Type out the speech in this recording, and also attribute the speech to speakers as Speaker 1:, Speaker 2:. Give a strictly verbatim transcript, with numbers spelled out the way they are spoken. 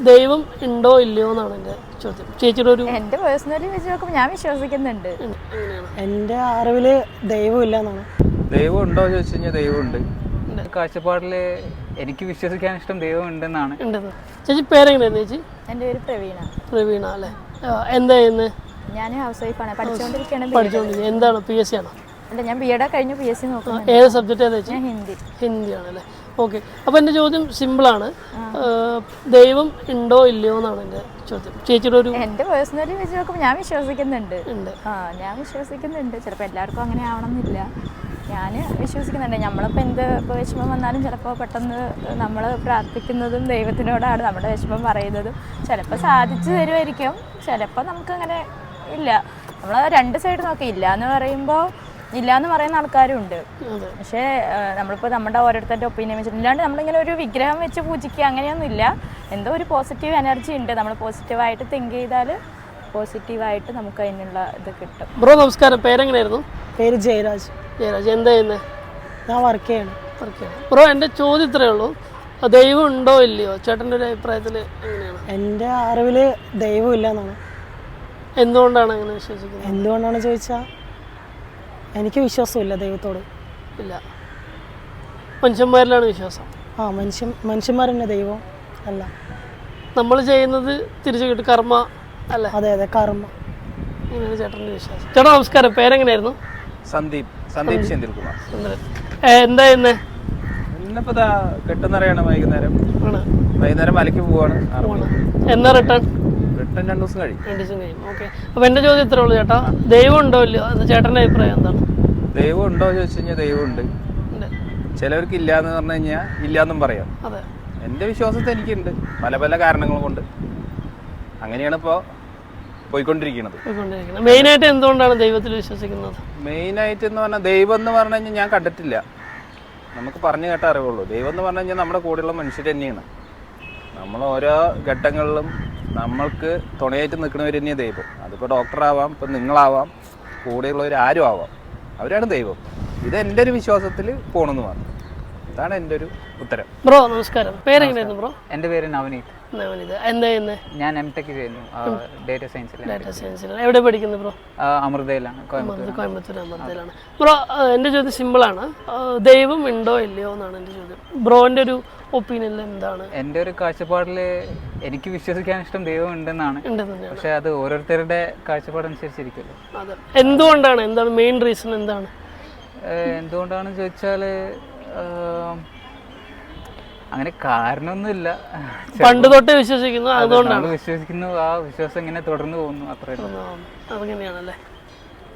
Speaker 1: ദൈവം ഉണ്ടോ ഇല്ലയോ എന്നാണ് എൻ്റെ ചോദ്യം. ചേച്ചിയുടെ ഒരു
Speaker 2: എൻ്റെ പേഴ്സണലി വെച്ച് നോക്കുമ്പോൾ ഞാൻ വിശ്വസിക്കുന്നുണ്ട്.
Speaker 3: എൻ്റെ അറിവില് ദൈവം ഇല്ല എന്നാണ്.
Speaker 4: ദൈവം ഉണ്ടോ ചോദിച്ചു കഴിഞ്ഞാൽ ദൈവമുണ്ട്. കാഴ്ചപ്പാടിൽ എനിക്ക് വിശ്വസിക്കാൻ ഇഷ്ടം ദൈവം ഉണ്ടെന്നാണ്.
Speaker 1: ഉണ്ടെന്ന്. ചേച്ചി പേരെങ്ങനെയായിരുന്നു ചേച്ചി?
Speaker 2: എൻ്റെ പേര് പ്രവീണ.
Speaker 1: പ്രവീണ അല്ലേ? എന്താ ചെയ്യുന്നത്?
Speaker 2: ഞാൻ ഹൗസ് വൈഫാണ്, പഠിച്ചുകൊണ്ടിരിക്കുകയാണ്.
Speaker 1: പഠിച്ചുകൊണ്ടിരിക്കുന്നത്. എന്താണ് പി എസ് സി ആണോ?
Speaker 2: അല്ല, ഞാൻ ബി എഡ് കഴിഞ്ഞു, പി എസ് സി നോക്കുന്നു.
Speaker 1: ഏത് സബ്ജക്റ്റ് ഏതാ ചേച്ചി?
Speaker 2: ഞാൻ ഹിന്ദി.
Speaker 1: ഹിന്ദിയാണല്ലേ? ഓക്കെ. അപ്പോൾ എൻ്റെ ചോദ്യം സിമ്പിളാണ്. ദൈവം ഉണ്ടോ ഇല്ലയോ എന്നാണ് എൻ്റെ ചോദ്യം. ചേച്ചിയുടെ ഒരു
Speaker 2: എൻ്റെ പേഴ്സണലി വെച്ച് നോക്കുമ്പോൾ ഞാൻ വിശ്വസിക്കുന്നുണ്ട്.
Speaker 1: ഉണ്ട്.
Speaker 2: ആ ഞാൻ വിശ്വസിക്കുന്നുണ്ട്. ചിലപ്പോൾ എല്ലാവർക്കും അങ്ങനെ ആവണമെന്നില്ല. ഞാൻ വിശ്വസിക്കുന്നുണ്ട്. നമ്മളിപ്പോൾ എന്ത് ഇപ്പോൾ വിഷമം വന്നാലും ചിലപ്പോൾ പെട്ടെന്ന് നമ്മൾ പ്രാർത്ഥിക്കുന്നതും ദൈവത്തിനോടാണ് നമ്മുടെ വിഷമം പറയുന്നതും. ചിലപ്പോൾ സാധിച്ചു തരുമായിരിക്കും, ചിലപ്പോൾ നമുക്കങ്ങനെ ഇല്ല. നമ്മൾ രണ്ട് സൈഡ് നോക്കി ഇല്ല എന്ന് പറയുമ്പോൾ ഇല്ല എന്ന് പറയുന്ന ആൾക്കാരും ഉണ്ട്. പക്ഷേ നമ്മളിപ്പോൾ നമ്മുടെ ഓരോരുത്തരുടെ ഒപ്പീനിയൻ വെച്ചിട്ട് ഇല്ലാണ്ട് നമ്മളിങ്ങനെ ഒരു വിഗ്രഹം വെച്ച് പൂജിക്കുക അങ്ങനെയൊന്നും ഇല്ല. എന്തോ ഒരു പോസിറ്റീവ് എനർജി ഉണ്ട്. നമ്മൾ പോസിറ്റീവായിട്ട് തിങ്ക് ചെയ്താൽ പോസിറ്റീവായിട്ട് നമുക്ക് അതിനുള്ള ഇത് കിട്ടും.
Speaker 1: ബ്രോ നമസ്കാരം. പേരെങ്ങനെയായിരുന്നു?
Speaker 3: പേര് ജയരാജ്.
Speaker 1: ജയരാജ്. എന്താ ചെയ്യുന്നത്?
Speaker 3: ഞാൻ വർക്ക് ചെയ്യണം.
Speaker 1: വർക്ക് ചെയ്യണം. ബ്രോ എൻ്റെ ചോദ്യം ഇത്രയേ ഉള്ളൂ, ദൈവം ഉണ്ടോ ഇല്ലയോ ചേട്ടൻ്റെ ഒരു അഭിപ്രായത്തിൽ എങ്ങനെയാണ്?
Speaker 3: എൻ്റെ അറിവില് ദൈവം ഇല്ല എന്നാണ്.
Speaker 1: എന്തുകൊണ്ടാണ് അങ്ങനെ വിശ്വസിക്കുന്നത്?
Speaker 3: എന്തുകൊണ്ടാണ് ചോദിച്ചാൽ എനിക്ക് വിശ്വാസമില്ല ദൈവത്തോട്.
Speaker 1: ഇല്ല, മനുഷ്യന്മാരിലാണ് വിശ്വാസം.
Speaker 3: ആ മനുഷ്യൻ മനുഷ്യന്മാർ തന്നെ ദൈവം അല്ല.
Speaker 1: നമ്മൾ ചെയ്യുന്നത് തിരിച്ചു കിട്ടും, കർമ്മ അല്ലേ?
Speaker 3: അതെ അതെ, കർമ്മ.
Speaker 1: ഇങ്ങനെയാണ് ചേട്ടൻ്റെ വിശ്വാസം. ചേട്ടാ നമസ്കാരം. പേരെങ്ങനെയായിരുന്നു?
Speaker 4: സന്ദീപ് സന്ദീപ് സെന്തിൽകുമാർ.
Speaker 1: എന്താ ചെയ്യുന്നത്?
Speaker 4: ഇന്നിപ്പോ കെട്ടുന്നറിയാണ്. വൈകുന്നേരം
Speaker 1: ആണ്.
Speaker 4: വൈകുന്നേരം മലയ്ക്ക് പോവാണ്.
Speaker 1: എന്നാ റിട്ടേൺ?
Speaker 4: റിട്ടേൺ രണ്ടു ദിവസം കഴിയും.
Speaker 1: രണ്ട് ദിവസം കഴിയും. ഓക്കെ. അപ്പോൾ എൻ്റെ ചോദ്യം ഇത്രേ ഉള്ളൂ ചേട്ടാ, ദൈവം ഉണ്ടോ ഇല്ലയോ അത് ചേട്ടൻ്റെ അഭിപ്രായം എന്താണ്?
Speaker 4: ദൈവം ഉണ്ടോ ചോദിച്ചു കഴിഞ്ഞാൽ ദൈവമുണ്ട്. ചിലവർക്ക് ഇല്ല എന്ന് പറഞ്ഞു കഴിഞ്ഞാൽ ഇല്ലാന്നും പറയാം.
Speaker 1: അതെ.
Speaker 4: എൻ്റെ വിശ്വാസത്തിൽ എനിക്കുണ്ട്, പല പല കാരണങ്ങൾ കൊണ്ട്. അങ്ങനെയാണ് ഇപ്പോൾ പോയിക്കൊണ്ടിരിക്കുന്നത്.
Speaker 1: മെയിനായിട്ട് എന്തുകൊണ്ടാണ് ദൈവത്തിൽ വിശ്വസിക്കുന്നത്?
Speaker 4: മെയിനായിട്ട് എന്ന് പറഞ്ഞാൽ ദൈവം എന്ന് പറഞ്ഞു കഴിഞ്ഞാൽ ഞാൻ കണ്ടിട്ടില്ല, നമുക്ക് പറഞ്ഞു കേട്ട അറിവുള്ളൂ. ദൈവം എന്ന് പറഞ്ഞു കഴിഞ്ഞാൽ നമ്മുടെ കൂടെയുള്ള മനുഷ്യർ തന്നെയാണ്. നമ്മൾ ഓരോ ഘട്ടങ്ങളിലും നമ്മൾക്ക് തുണയായിട്ട് നിൽക്കുന്നവർ തന്നെയാണ് ദൈവം. അതിപ്പോൾ ഡോക്ടറാവാം, ഇപ്പം നിങ്ങളാവാം, കൂടെയുള്ളവർ ആരും ആവാം, അവരാണ് ദൈവം. ഇത് എൻ്റെ ഒരു വിശ്വാസത്തിൽ പോകണമെന്ന് പറഞ്ഞു. അതാണ് എൻ്റെ ഒരു ഉത്തരം.
Speaker 1: ബ്രോ നമസ്കാരം. പേരെങ്ങനെയായിരുന്നു ബ്രോ?
Speaker 5: എൻ്റെ പേര് നവനീത്.
Speaker 1: നവനീത്. എന്താ ചെയ്യുന്നത്?
Speaker 5: ഞാൻ എം ടെക് ചെയ്യുന്നു, ഡേറ്റ സയൻസിൽ.
Speaker 1: ഡാറ്റ സയൻസിൽ. എവിടെ പഠിക്കുന്നത് ബ്രോ?
Speaker 5: അമൃതയിലാണ്, കോയമ്പത്തൂർ.
Speaker 1: കോയമ്പത്തൂർ അമൃതയിലാണ്. ബ്രോ എൻ്റെ ചോദ്യം സിമ്പിളാണ്, ദൈവം ഉണ്ടോ ഇല്ലയോ എന്നാണ് എൻ്റെ ചോദ്യം. ബ്രോൻ്റെ ഒരു ഒപ്പീനിയനിൽ എന്താണ്?
Speaker 5: എൻ്റെ ഒരു കാഴ്ചപ്പാടിൽ എനിക്ക് വിശ്വസിക്കാൻ ഇഷ്ടം ദൈവം ഉണ്ടെന്നാണ്. പക്ഷെ അത് ഓരോരുത്തരുടെ കാഴ്ചപ്പാടനുസരിച്ചിരിക്കുമല്ലോ.
Speaker 1: അതെ. എന്തുകൊണ്ടാണ്, എന്താണ് മെയിൻ റീസൺ എന്താണ്?
Speaker 5: എന്തുകൊണ്ടാണെന്ന് ചോദിച്ചാൽ അങ്ങനെ കാരണമൊന്നുമില്ല.
Speaker 1: പണ്ട് തൊട്ടേ വിശ്വസിക്കുന്നു, അതുകൊണ്ടാണ്
Speaker 5: വിശ്വസിക്കുന്നു. ആ വിശ്വാസം ഇങ്ങനെ തുടർന്ന് പോകുന്നു, അത്രയും.
Speaker 1: അതങ്ങനെയാണല്ലേ?